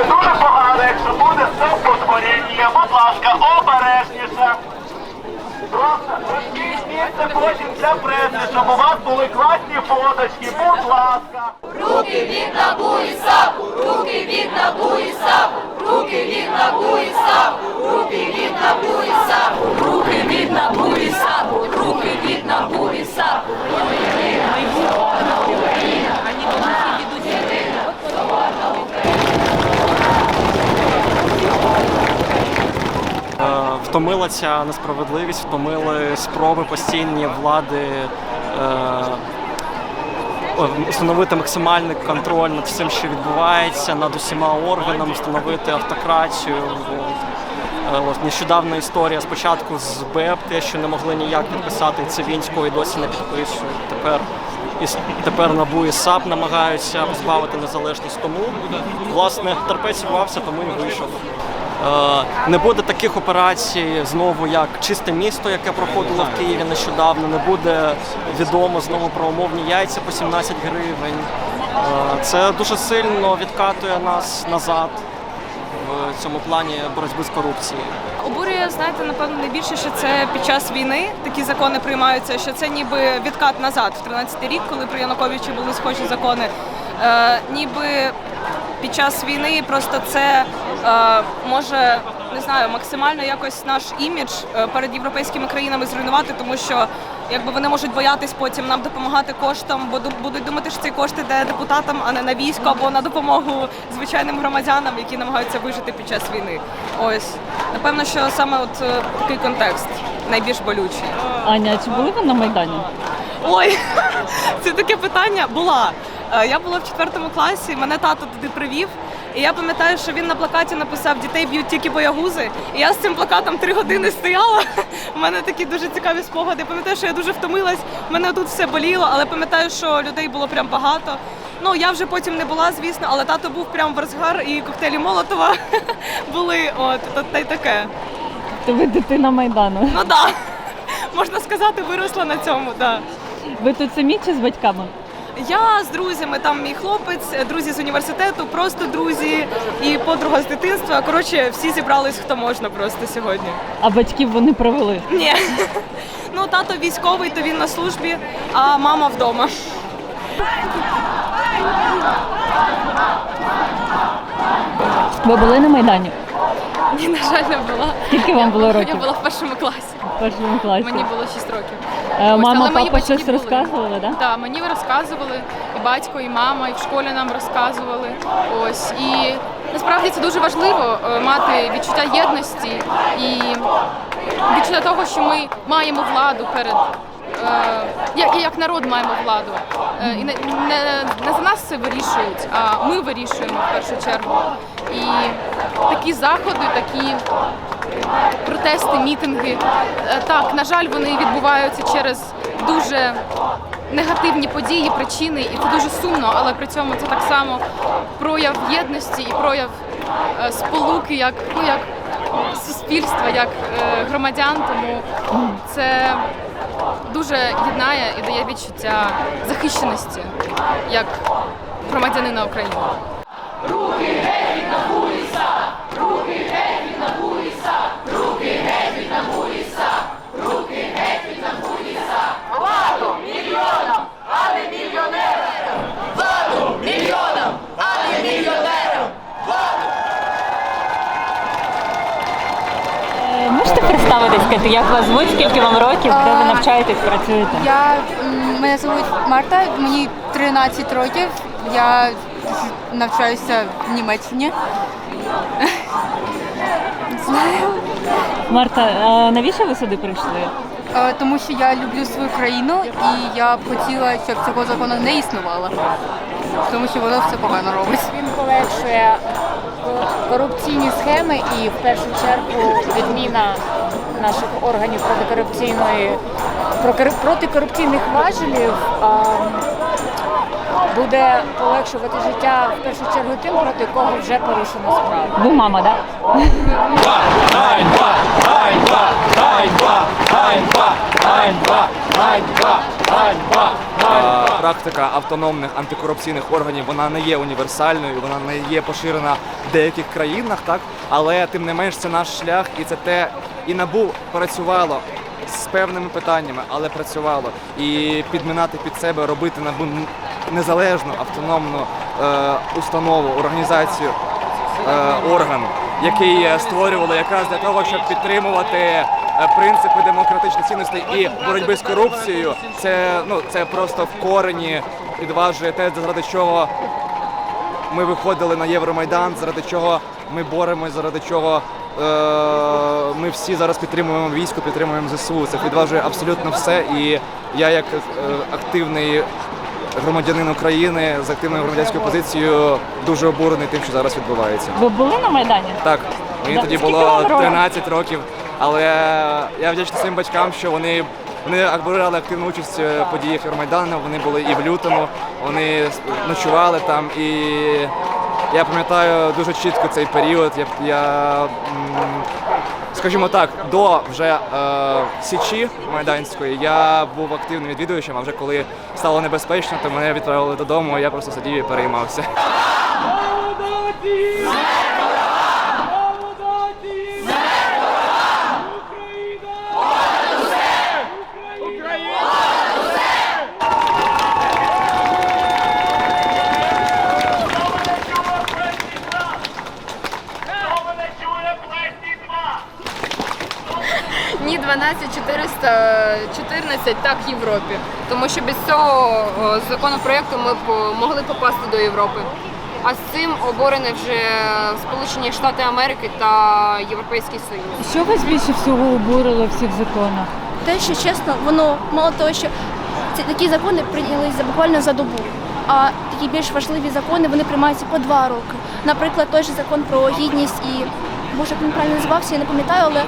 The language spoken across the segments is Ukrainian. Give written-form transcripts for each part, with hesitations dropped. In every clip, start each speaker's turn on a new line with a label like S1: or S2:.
S1: дуже погано, якщо буде стовпотворіння. Будь ласка, обережніше. Просто розкажіть місце потім для преси, щоб у вас були класні фоточки. Будь ласка.
S2: Руки від НАБУ і САПу, руки від НАБУ і САПу, руки від НАБУ і САПу, руки від НАБУ і САПу, руки від НАБУ і САПу, руки від НАБУ і САПу.
S3: Втомила ця несправедливість, втомили спроби постійні влади встановити максимальний контроль над всім, що відбувається, над усіма органами, встановити автократію. Нещодавна історія спочатку з БЕП, те, що не могли ніяк підписати Цивінського і досі не підписують. Тепер НАБУ і САП намагаються позбавити незалежність. Тому, власне, терпець урвався, тому і вийшов. Не буде таких операцій знову, як «Чисте місто», яке проходило в Києві нещодавно. Не буде відомо знову про умовні яйця по 17 гривень. Це дуже сильно відкатує нас назад в цьому плані боротьби з корупцією.
S4: Обурює, знаєте, напевно, найбільше, що це під час війни такі закони приймаються, що це ніби відкат назад в 13-й рік, коли при Януковичі були схожі закони. Ніби під час війни просто це може, не знаю, максимально якось наш імідж перед європейськими країнами зруйнувати, тому що якби вони можуть боятись потім нам допомагати коштом, бо будуть думати, що ці кошти йде депутатам, а не на військо або на допомогу звичайним громадянам, які намагаються вижити під час війни. Ось. Напевно, що саме от такий контекст найбільш болючий.
S5: Аня, чи були ви на Майдані?
S4: Ой, це таке питання. Була. Я була в 4 класі, мене тато туди привів. І я пам'ятаю, що він на плакаті написав «Дітей б'ють тільки боягузи». І я з цим плакатом 3 години стояла. У мене такі дуже цікаві спогади. Пам'ятаю, що я дуже втомилась, мене тут все боліло, але пам'ятаю, що людей було прям багато. Ну, я вже потім не була, звісно, але тато був прям в розгар, і коктейлі Молотова були, та й таке.
S5: То ви дитина Майдану?
S4: Ну так, можна сказати, виросла на цьому, так.
S5: Ви тут самі чи з батьками?
S4: Я з друзями, там мій хлопець, друзі з університету, просто друзі і подруга з дитинства. Коротше, всі зібрались, хто можна просто сьогодні.
S5: А батьків вони провели?
S4: Ні. Ну, тато військовий, то він на службі, а мама вдома.
S5: Ви були на Майдані?
S6: Ні, на жаль, не була.
S5: Скільки вам було років?
S6: Я була в 1 класі.
S5: В 1 класі.
S6: Мені було 6 років.
S5: Мама,
S6: мої
S5: папа
S6: батьки
S5: щось
S6: були.
S5: розказували, так?
S6: Так, мені розказували, і батько, і мама, і в школі нам розказували. Ось. І насправді це дуже важливо мати відчуття єдності і відчуття того, що ми маємо владу перед як народ маємо владу. І не за нас це вирішують, а ми вирішуємо в першу чергу. І такі заходи, такі протести, мітинги, так, на жаль, вони відбуваються через дуже негативні події, причини, і це дуже сумно, але при цьому це так само прояв єдності і прояв сполуки, як суспільства, як громадян, тому це дуже єднає і дає відчуття захищеності як громадянина України.
S2: Руки геть від НАБУ і САП! Руки геть від НАБУ і САП! Руки геть від НАБУ і САП! Руки геть від НАБУ і САП! Владу мільйонам, а не мільйонерам! Владу мільйонам, а не мільйонерам!
S5: Можете представитись, сказати, як вас звуть, скільки вам років, де ви навчаєтесь, працюєте?
S7: Мене звуть Марта, мені 13 років, я навчаюся в Німеччині.
S5: Марта, а навіщо ви сюди прийшли?
S7: Тому що я люблю свою країну і я б хотіла, щоб цього закону не існувало, тому що воно все погано робить.
S8: Він полегшує корупційні схеми і в першу чергу відміна наших органів протикорупційних важелів буде полегшувати життя в першу чергу тим, проти кого вже порушено справу.
S5: Ви мама, так?
S1: Ганьба! Ганьба! Ганьба! Ганьба! Ганьба! Ганьба! Ганьба!
S9: практика автономних антикорупційних органів, вона не є універсальною, вона не є поширена в деяких країнах, так? Але тим не менш це наш шлях, і це те, і НАБУ працювало з певними питаннями, але працювало. І підмінати під себе, робити НАБУ незалежну, автономну установу, організацію, орган, який створювали якраз для того, щоб підтримувати принципи демократичних цінностей і боротьби з корупцією, це просто в корені підважує те, заради чого ми виходили на Євромайдан, заради чого ми боремось, заради чого ми всі зараз підтримуємо військо, підтримуємо ЗСУ. Це підважує абсолютно все. І я як активний громадянин України з активною громадянською позицією дуже обурений тим, що зараз відбувається.
S5: Ви були на Майдані?
S9: Так, мені тоді
S5: Скільки
S9: було
S5: вам років?
S9: 13 років, але я вдячний своїм батькам, що вони брали активну участь в подіях Євромайдану, вони були і в лютому, вони ночували там, і я пам'ятаю дуже чітко цей період. Скажімо так, до вже Січі Майданської я був активним відвідувачем, а вже коли стало небезпечно, то мене відправили додому, я просто сидів і переймався.
S10: Ні, 12414 так Європі. Тому що без цього законопроекту ми б могли попасти до Європи. А з цим обурені вже Сполучені Штати Америки та Європейський Союз.
S5: Що вас більше всього обурило в цих законах?
S11: Те, що чесно, воно мало того, що такі закони прийнялися буквально за добу. А такі більш важливі закони вони приймаються по 2 роки. Наприклад, той же закон про гідність і Боже, як він правильно називався, я не пам'ятаю, але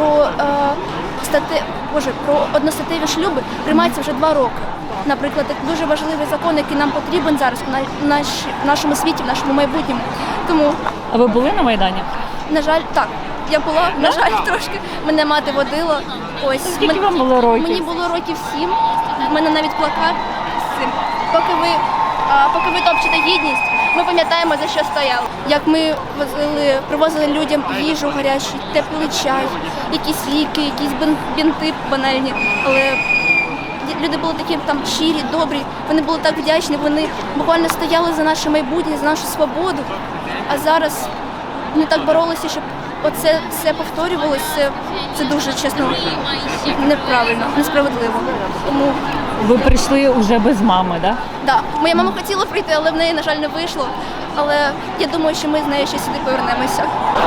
S11: про одностатеві шлюби приймається вже 2 роки. Наприклад, це дуже важливий закон, який нам потрібен зараз в нашому світі, в нашому майбутньому. Тому,
S5: А ви були на Майдані?
S11: на жаль, так, я була, на жаль, трошки. Мене мати водила. Ось.
S5: Скільки вам було років?
S11: Мені було років 7. У мене навіть плакат з цим. Поки ви топчете гідність, ми пам'ятаємо, за що стояли. Як ми привозили людям їжу гарячу, теплий чай, якісь ліки, якісь бінти банальні. Але люди були такі там щирі, добрі, вони були так вдячні, вони буквально стояли за наше майбутнє, за нашу свободу. А зараз вони так боролися, щоб оце все повторювалося. Це дуже, чесно, неправильно, несправедливо. Тому
S5: Ви прийшли вже без мами, так?
S11: да, моя мама хотіла прийти, але в неї, на жаль, не вийшло. Але я думаю, що ми з нею ще сюди повернемося.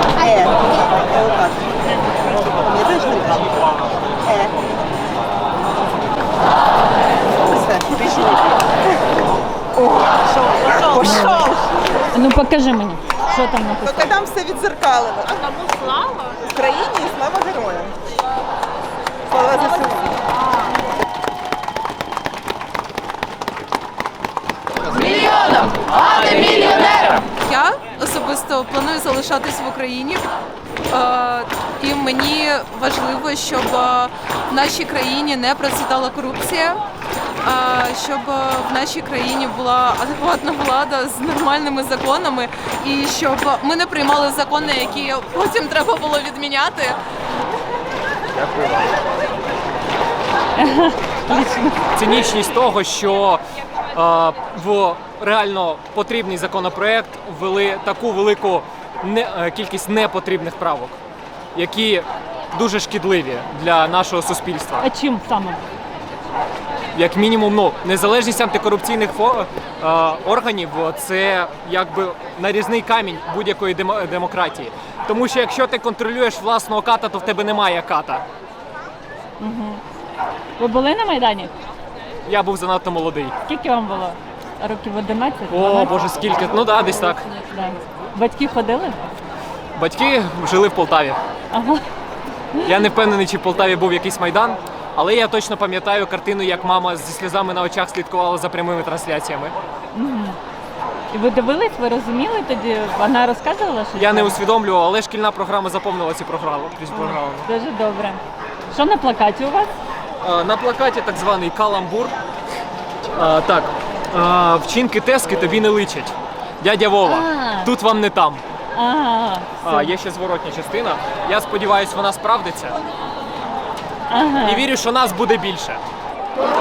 S5: Ну покажи мені, що там написано.
S12: Поки там все відзеркалено. А кому слава? Україні і слава героям. Слава ЗСУ.
S2: Мільйоном, а не мільйонером!
S13: Я особисто планую залишатись в Україні. І мені важливо, щоб в нашій країні не процвітала корупція, щоб в нашій країні була адекватна влада з нормальними законами і щоб ми не приймали закони, які потім треба було відміняти.
S14: Цинічність того, що в реально потрібний законопроект ввели таку велику кількість непотрібних правок, які дуже шкідливі для нашого суспільства.
S5: А чим саме?
S14: Як мінімум, незалежність антикорупційних органів – це якби нарізний камінь будь-якої демократії. Тому що якщо ти контролюєш власного ката, то в тебе немає ката.
S5: Угу. Ви були на Майдані?
S14: Я був занадто молодий.
S5: Скільки вам було? Років 11?
S14: О, Боже, скільки? Ну так, десь так.
S5: Да. Батьки ходили?
S14: Батьки жили в Полтаві.
S5: Ага.
S14: Я не впевнений, чи в Полтаві був якийсь Майдан, але я точно пам'ятаю картину, як мама зі сльозами на очах слідкувала за прямими трансляціями.
S5: Угу. І ви дивились, ви розуміли тоді? Вона розказувала, що
S14: я не усвідомлював, але шкільна програма заповнила ці програми.
S5: Дуже добре. Що на плакаті у вас?
S14: На плакаті так званий каламбур. Так, вчинки Тески тобі не личать. Дядя Вова, тут вам не там. Є ще зворотня частина. Я сподіваюся, вона справдиться. І вірю, що нас буде більше.